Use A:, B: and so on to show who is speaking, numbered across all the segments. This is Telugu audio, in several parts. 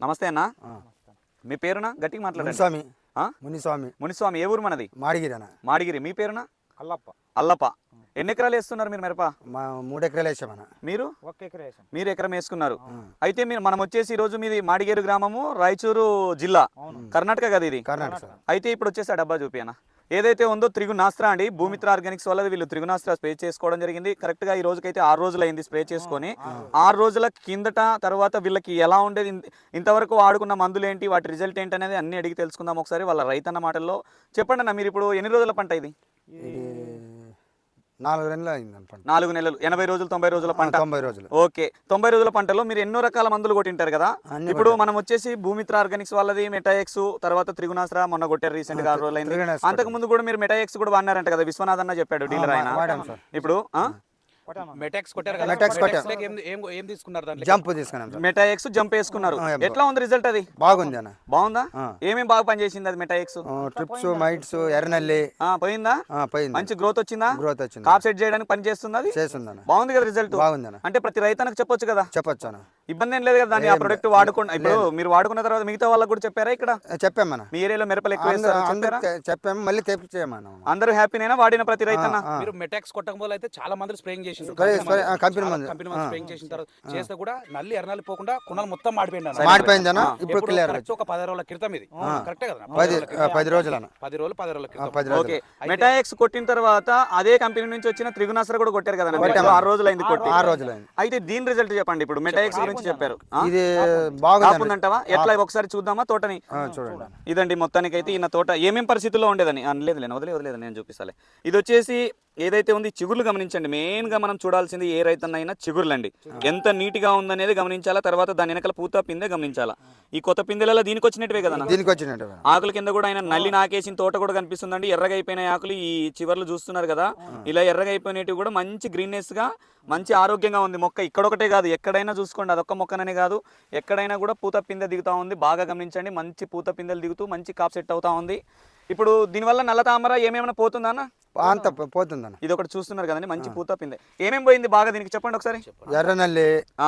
A: నమస్తే అన్న. మీ పేరునా? గట్టిగా మాట్లాడండి.
B: స్వామి
A: మునిస్వామి. మునిస్వామి. ఏ ఊరు మనది?
B: మాడిగిరి అన్న.
A: మాడిగిరి. మీ పేరునా?
C: అల్లప్ప.
A: అల్లప్ప. ఎన్ని ఎకరాలు వేస్తున్నారు మీరు మిరప?
B: 3 ఎకరాలు వేసామన్న.
A: మీరు?
C: 1 ఎకరం వేసాం.
A: మీరు ఎకరం వేసుకున్నారు. అయితే మనం వచ్చేసి ఈ రోజు మీది మాడిగేరు గ్రామము, రాయచూరు జిల్లా, కర్ణాటక కదా ఇది?
B: కర్ణాటక.
A: అయితే ఇప్పుడు వచ్చేసి ఆ డబ్బా చూపియనా ఏదైతే ఉందో త్రిగుణాస్త్ర అండి. భూమిత్ర ఆర్గానిక్స్ వల్ల వీళ్ళు త్రిగుణాస్త్ర స్ప్రే చేసుకోవడం జరిగింది. కరెక్ట్ గా ఈ రోజుకైతే 6 రోజులు అయింది స్ప్రే చేసుకొని. 6 రోజుల కిందట తర్వాత వీళ్ళకి ఎలా ఉండేది, ఇంతవరకు వాడుకున్న మందులు ఏంటి, వాటి రిజల్ట్ ఏంటి అనేది అన్ని అడిగి తెలుసుకుందాం ఒకసారి వాళ్ళ రైతన్న మాటల్లో. చెప్పండి అన్న, మీరు ఇప్పుడు ఎన్ని రోజుల పంట ఇది?
B: 4 నెలలు అయింది.
A: 4 నెలలు. 80 రోజులు 90 రోజుల పంట.
B: 90 రోజులు.
A: ఓకే. 90 రోజుల పంటలో మీరు ఎన్నో రకాల మందులు కొట్టింటారు కదా. ఇప్పుడు మనం వచ్చేసి భూమిత్ర ఆర్గానిక్స్ వాళ్ళది మెటాఎక్స్, తర్వాత త్రిగుణాస్త్ర మొన్న కొట్టారు రీసెంట్ గా 6 రోజులు అయింది. అంతకు ముందు కూడా మీరు మెటాఎక్స్ కూడా వాడినారంట కదా, విశ్వనాథ్ అన్న చెప్పాడు డీలర్ ఆయన. ఇప్పుడు
C: మెటాక్స్ కొట్టారు కదా.
B: మెటాక్స్ కొట్టారు.
C: ఏం తీసుకున్నారు దాంట్లో?
B: జంప్ తీసుకున్నాం.
A: మెటాఎక్స్ జంప్ వేసుకున్నారు. ఎట్లా ఉంది రిజల్ట్? అది
B: బాగుంది అన్న.
A: బాగుందా? ఏమేమి బాగా పనిచేసింది అది మెటాఎక్స్?
B: ట్రిప్స్, మైట్స్, ఎర్రనల్లి
A: పోయిందా?
B: పోయింది.
A: మంచి గ్రోత్ వచ్చిందా?
B: గ్రోత్ వచ్చింది.
A: కాప్ సెట్ చేయడానికి పని చేస్తుంది అది?
B: చేస్తుందన్న.
A: బాగుంది కదా రిజల్ట్?
B: బాగుంది అన్న.
A: అంటే ప్రతి రైతన్నకు చెప్పొచ్చు కదా?
B: చెప్పొచ్చు అన్న.
A: ఇబ్బంది ఏం లేదు కదా దాన్ని? ఆ ప్రొడక్ట్ వాడుకున్న ఇప్పుడు మీరు వాడుకున్న తర్వాత మిగతా వాళ్ళకి కూడా చెప్పారా ఇక్కడ?
B: చెప్పామన్న.
A: మీ ఏరియాలో మిరపలు ఎక్కువ వేస్తారా?
B: చెప్పాము, మళ్ళీ తెప్పించామన్న.
A: అందరూ హ్యాపీనేనా వాడిన ప్రతి రైతన్న?
C: మీరు మెటాక్స్ కొట్టకపోతే అయితే చాలా మంది స్ప్రేయింగ్ చేసిండ్రు.
B: కంపెనీ మందు
C: స్ప్రేయింగ్ చేసిన తర్వాత చేస్తే కూడా నల్లి ఎర్రనల్లి పోకుండా కుణాలు మొత్తం మాడిపోయింది.
B: మాడిపోయిందన్న. ఇప్పుడు క్లియర్.
C: ఒక 10 రోజుల క్రితం ఇది. కరెక్టే కదా?
B: 10 రోజులు అన్న.
C: 10 రోజుల క్రితం.
B: 10 రోజులు.
A: ఓకే. మెటాఎక్స్ కొట్టిన తర్వాత అదే కంపెనీ నుంచి వచ్చిన త్రిగుణాస్త్ర కూడా కొట్టారు కదా? 6 రోజులు అయింది కొట్టి.
B: 6 రోజులు అయింది.
A: అయితే దీని రిజల్ట్ చెప్పండి. ఇప్పుడు మెటాఎక్స్ గురించి చెప్పారు.
B: ఇది బాగుందంటావా?
A: ఎట్లా ఒకసారి చూద్దామా తోటని?
B: చూడండి.
A: ఇదండి మొత్తానికి అయితే ఈయన తోట ఏమేం పరిస్థితుల్లో ఉండేదని. లేదు వదిలేదు నేను చూపిస్తాలే. ఇది వచ్చేసి ఏదైతే ఉంది చిగుర్లు గమనించండి. మెయిన్ గా మనం చూడాల్సింది ఏ రైతన్నైనా చిగుర్లండి. ఎంత నీట్ గా ఉందనేది గమనించాలా. తర్వాత దాని వెనకాల పూత పిందె గమనించాలా. ఈ కొత్త పిందెలలో దీనికి వచ్చినట్టువే కదా?
B: దీనికి వచ్చినట్టు.
A: ఆకుల కింద కూడా ఆయన నల్లి నాకేసిన తోట కూడా కనిపిస్తుందండి. ఎర్రగా అయిపోయిన ఆకులు ఈ చివర్లు చూస్తున్నారు కదా, ఇలా ఎర్రగా అయిపోయినవి కూడా మంచి గ్రీన్నెస్ గా మంచి ఆరోగ్యంగా ఉంది మొక్క. ఇక్కడొకటే కాదు, ఎక్కడైనా చూసుకోండి. అదొక్క మొక్కననే కాదు, ఎక్కడైనా కూడా పూత పిందె దిగుతా ఉంది. బాగా గమనించండి. మంచి పూత పిందెలు దిగుతూ మంచి కాప్ సెట్ అవుతా ఉంది. ఇప్పుడు దీనివల్ల నల్ల తామర ఏమేమైనా పోతుందా అన్న?
B: అంత పోతుందన్న.
A: ఇది ఒకటి చూస్తున్నారు కదండి, మంచి పూత పిందె. ఏమేమి పోయింది బాగా దీనికి చెప్పండి ఒకసారి.
B: ఎర్రనల్లి,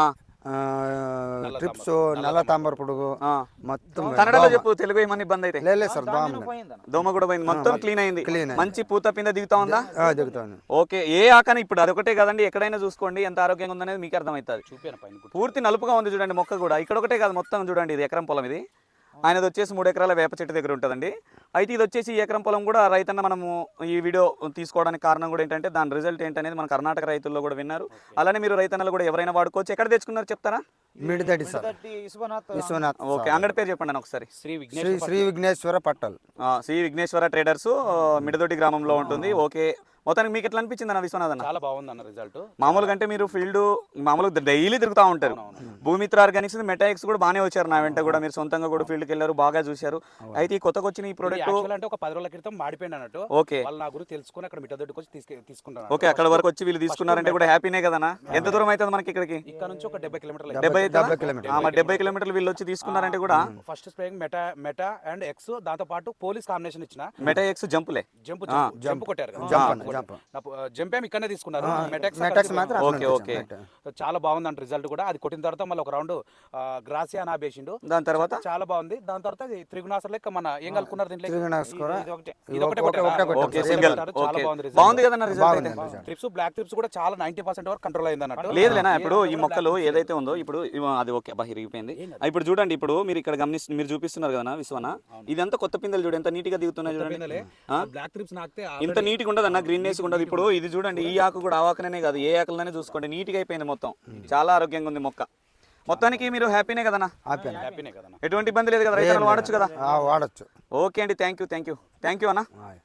B: ట్రిప్స్, నల్ల తాంబర పురుగు మొత్తం.
A: కన్నడలో చెప్పు, తెలుగు ఏమన్నా ఇబ్బంది అయితే?
B: లేదు సార్, బాగుంది.
A: దోమ కూడా పోయింది, మొత్తం క్లీన్ అయింది. మంచి పూత పిందె దిగుతా ఉందా?
B: దిగుతుంది.
A: ఓకే. ఏ ఆకని ఇప్పుడు అదొకటే కదండి, ఎక్కడైనా చూసుకోండి ఎంత ఆరోగ్యంగా ఉందనేది మీకు అర్థమవుతుంది. పూర్తి నలుపుగా ఉంది చూడండి మొక్క కూడా. ఇక్కడ ఒకటే కాదు, మొత్తం చూడండి. ఇది ఎకరం పొలం. ఇది ఆయనది వచ్చేసి 3 ఎకరాల వేప చెట్టు దగ్గర ఉంటుందండి. అయితే ఇది వచ్చేసి ఈ ఎకరం పొలం కూడా రైతన్న మనము ఈ వీడియో తీసుకోవడానికి కారణం కూడా ఏంటంటే దాని రిజల్ట్ ఏంటనేది మన కర్ణాటక రైతుల్లో కూడా విన్నారు. అలానే మీరు రైతన్నలు కూడా ఎవరైనా వాడుకోవచ్చు. ఎక్కడ తెచ్చుకున్నారు చెప్తారా?
B: మిడిదడి సార్. విశ్వనాథ్.
A: ఓకే. అంగడి పేరు చెప్పండి ఒకసారి.
B: శ్రీ విఘ్నేశ్వర పట్టల్.
A: శ్రీ విఘ్నేశ్వర ట్రేడర్స్, మిడదొడ్డి గ్రామంలో ఉంటుంది. ఓకే. మొత్తానికి మీకు ఎట్లా అనిపించింది అన్న విశ్వనాథ్ అన్న?
C: చాలా బాగుంది అన్న రిజల్ట్.
A: మామూలుగా అంటే మీరు ఫీల్డ్ మామూలుగా డైలీ తిరుగుతూ ఉంటారు. భూమిత్ర ఆర్గానిక్స్, మెటాఎక్స్ కూడా బాగానే వచ్చారు నా వెంట కూడా. మీరు సొంతంగా కూడా ఫీల్డ్కి వెళ్ళారు, బాగా చూశారు. అయితే ఈ కొత్తగా వచ్చిన ఈ ప్రోడక్ట్
C: అంటే ఒక 10 రోజుల క్రితం మాడిపోయింది అన్నట్టు.
A: ఓకే.
C: వాళ్ళు నా గురించి తెలుసుకుని అక్కడ మిట్టదొడ్డికి వచ్చి తీసుకుంటారు.
A: ఓకే. అక్కడ వరకు వచ్చి వీళ్ళు తీసుకున్నారంటే కూడా హ్యాపీనే కదనా? ఎంత దూరం అవుతుంది మనకి ఇక్కడికి?
C: ఇక్కడ నుంచి ఒక 70 కిలోమీటర్లు.
A: 70 కిలోమీటర్లు వీళ్ళు వచ్చి తీసుకున్నారంటే కూడా.
C: First spraying meta and X, దాంతో పాటు పోలీస్ కాంబినేషన్ ఇచ్చిన.
A: మెటాఎక్స్ జంపులే,
C: జంప్ కొట్టారు. జంప్ ఏమి ఇక్కడనే తీసుకున్నారు.
A: ఓకే. ఓకే.
C: చాలా బాగుంది అంట రిజల్ట్ కూడా. అది కొట్టిన తర్వాత మళ్ళీ ఒక రౌండ్ గ్రాసియా నా బేసిండు.
A: దాని తర్వాత
C: చాలా బాగుంది. దాని తర్వాత త్రిగుణాసర్ లెక్క మన ఏం కలుపుకున్నారు దీంట్లో?
A: బాగుంది కదా రిజల్ట్.
C: ట్రిప్స్, బ్లాక్ ట్రిప్స్ కూడా చాలా 90% వరకు కంట్రోల్ అయింది అన్నట్టు.
A: లేదులేనా? ఇప్పుడు ఈ మొక్కలు ఏదైతే ఉందో ఇప్పుడు అది ఓకే ఇరిగిపోయింది. ఇప్పుడు చూడండి, ఇప్పుడు మీరు ఇక్కడ మీరు చూపిస్తున్నారు కదా విశ్వన, ఇదంతా కొత్త పిందెలు చూడండి ఎంత నీట్ గా దిగుతున్నాయి చూడండి.
C: బ్లాక్ ట్రిప్స్ నాకితే
A: ఇంత నీట్ గా ఉండదు అన్న, గ్రీన్నెస్ ఉండదు. ఇప్పుడు ఇది చూడండి, ఈ ఆకు కూడా ఆ ఆకునే కాదు, ఏ ఆకులనే చూసుకోండి నీట్ గా అయిపోయింది మొత్తం. చాలా ఆరోగ్యంగా ఉంది మొక్క. మొత్తానికి మీరు హ్యాపీనే కదన్నా?
C: హ్యాపీనే కదా,
A: ఎటువంటి ఇబ్బంది లేదు కదా? రైతులు వాడచ్చు కదా?
B: వాడచ్చు.
A: ఓకే అండి, థ్యాంక్ యూ అన్న.